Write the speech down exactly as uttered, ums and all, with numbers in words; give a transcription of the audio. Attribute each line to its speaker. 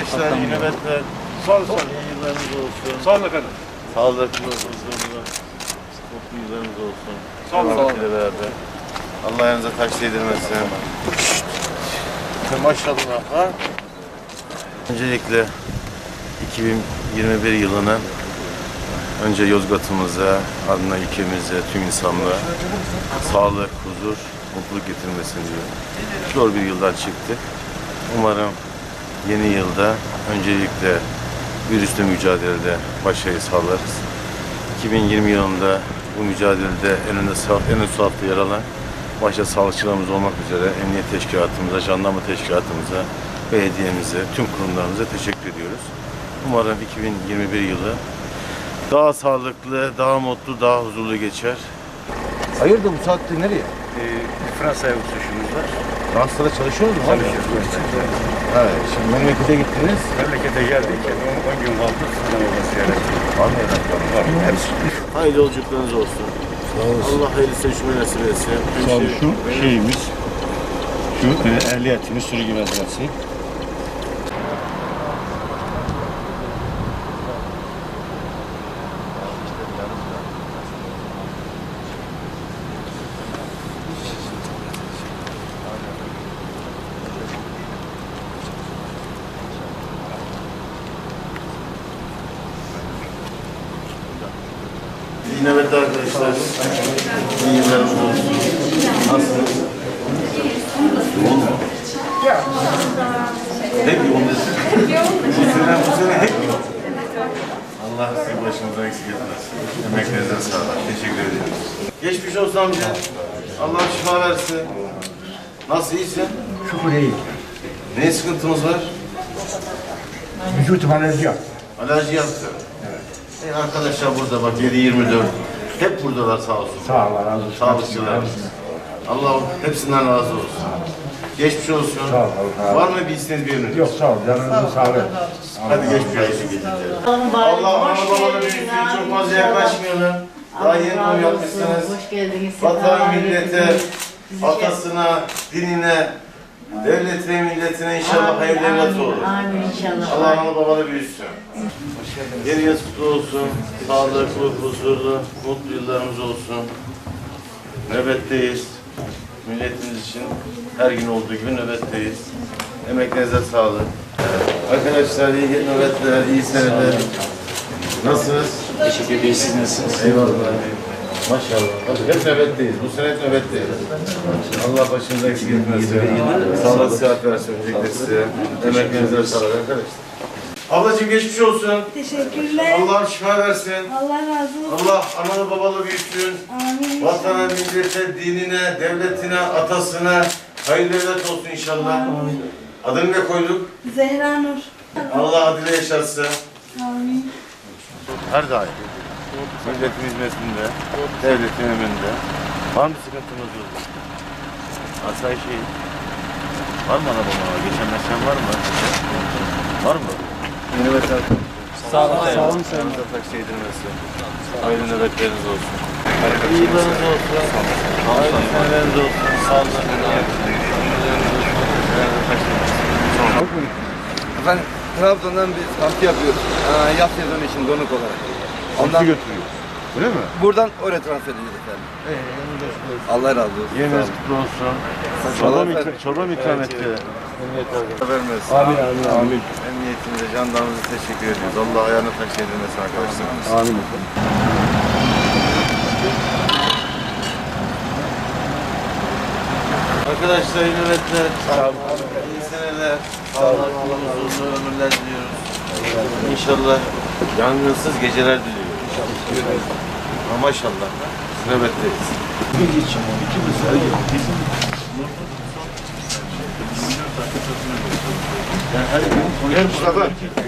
Speaker 1: arkadaşlar, iyi nöbetler.
Speaker 2: Sağ olun, sağ olun.
Speaker 1: İyi yıllarınız olsun.
Speaker 2: Sağ olun efendim.
Speaker 1: Sağlıklı, huzurlu, mutlu yıllarınız olsun.
Speaker 2: Sağ olun, sağ olun.
Speaker 1: Rahmetiyle beraber. Allah yanınıza taş değdirmesin. Maşallah. Ha? Öncelikle iki bin yirmi bir yılının önce Yozgat'ımıza, ardından ülkemize, tüm insanlığa sağlık, huzur, mutluluk getirmesini diliyorum. Zor bir yıldan çıktık. Umarım yeni yılda öncelikle virüsle mücadelede başarıyı sağlarız. iki bin yirmi yılında bu mücadelede en önde en ön safta yer alan başta sağlıkçılarımız olmak üzere emniyet teşkilatımıza, jandarma teşkilatımıza, belediyemize, tüm kurumlarımıza teşekkür ediyoruz. Umarım iki bin yirmi bir yılı daha sağlıklı, daha mutlu, daha huzurlu geçer.
Speaker 3: Hayırdır bu saatte nereye?
Speaker 2: Ee, Fransa'ya uçuşumuz var.
Speaker 3: Fransa'da çalışıyor musunuz?
Speaker 2: Çalışıyoruz.
Speaker 3: Evet, şimdi memlekete gittiniz.
Speaker 2: Memlekete geldik. on gün kaldı. Sizden orada ziyaret.
Speaker 3: Var mı evlatlarınız?
Speaker 2: Var. Hepsi.
Speaker 1: Hayırlı yolculuklarınız olsun.
Speaker 3: Sağ olasın.
Speaker 1: Allah hayırlı seçimi nasip etsin. Tüm
Speaker 2: Sağ olun.
Speaker 1: şey-
Speaker 2: Şu şeyimiz, şu e, ehliyetimiz, sürücü belgesi.
Speaker 1: İyi nöbetler arkadaşlar. İyi yıllarınız olsun. Nasılsınız? Yoğun mu? Hep yoğundasın. Bu sene, bu sene hep yoğun. Allah sizi başımızdan eksik etmesin. Emeklerinize sağlık. Teşekkür ediyoruz. Geçmiş olsun amca. Allah şifa versin. Nasıl, iyisin?
Speaker 4: Şükür iyi.
Speaker 1: Ne sıkıntımız var?
Speaker 4: Vücut alerji yaptı.
Speaker 1: Alerji yaptı. Evet. E arkadaşlar burada bak yedi yirmi dört. Hep buradalar sağ olsun.
Speaker 4: Sağ ol, razı olsun.
Speaker 1: Sağlıkçılar. Allah hepsinden razı olsun. Geçmiş olsun.
Speaker 4: Sağ ol, sağ ol.
Speaker 1: Var mı bir isteğiniz, bir önünüz?
Speaker 4: Yok sağ ol, canınızın sağlığı.
Speaker 1: Hadi geçmiş olsun geceleri. Allah ana babanı büyüsün, çok fazla yaklaşmayalım. Daha yeni doğum yapmışsınız.
Speaker 5: Hoş geldiniz.
Speaker 1: Vatan, millete, atasına, dinine, devletine, milletine inşallah hayırlı evlat olur.
Speaker 5: Amin inşallah.
Speaker 1: Allah ana babanı büyüsün. Yeriniz kutlu olsun. Sağlıklı, huzurlu, mutlu yıllarımız olsun. Nöbetteyiz. Milletimiz için her gün olduğu gibi nöbetteyiz. Emeklerinize sağlık. Arkadaşlar iyi nöbetler, iyi seneler. Nasılsınız?
Speaker 6: Teşekkür ederiz. Siz nasılsınız?
Speaker 1: Eyvallah. Maşallah. Hep nöbetteyiz. Bu sene hep nöbetteyiz. Allah başınıza eksik etmesin. Sağlık, sıhhat versin öncelikle size. Emeklerinize sağlık arkadaşlar. Ablacığım geçmiş olsun.
Speaker 7: Teşekkürler.
Speaker 1: Allah şifa versin.
Speaker 7: Allah razı olsun.
Speaker 1: Allah analı babalı büyüsün.
Speaker 7: Amin.
Speaker 1: Vatana, millete, dinine, devletine, atasına hayırlı evlat olsun inşallah. Adını ne koyduk?
Speaker 7: Zehra Nur.
Speaker 1: Allah adıyla yaşatsın.
Speaker 7: Amin.
Speaker 1: Her daim. Milletin hizmetinde, devletin emrinde. Var mı sıkıntımız yok? Asayiş iyi. Var mı ana baba? Geçen meşen var mı? Var mı? Yeni mesela. Sağ olun. Sağ olun. Yanınıza taksi yedirmesin. Hayırlı nöbetleriniz olsun. İyi yıllarınız olsun. Hayırlı seneleriniz olsun. Sağ olun.
Speaker 3: Efendim Trabzon'dan biz kamp yapıyoruz. Aa, yaz sezonu için donuk olarak. Ondan
Speaker 1: götürüyor. Öyle mi?
Speaker 3: buradan oraya transfer edeceğiz efendim. Allah razı olsun.
Speaker 1: Yeriniz kutlu olsun. Çorba mı, ikram- çorba mı ikram etti? Vermesin.
Speaker 3: Amin amin amin.
Speaker 1: Emniyetimize, jandarmamıza teşekkür ediyoruz. Allah ayağına taş edilmesin arkadaşlarımız.
Speaker 3: Amin.
Speaker 1: Arkadaşlar iyi nöbetler. İyi seneler. Sağlıklı, huzurlu ömürler diliyoruz. İnşallah yangınsız geceler diliyoruz. Ama maşallah nöbetteyiz. Yani her gün
Speaker 2: Gel Mustafa.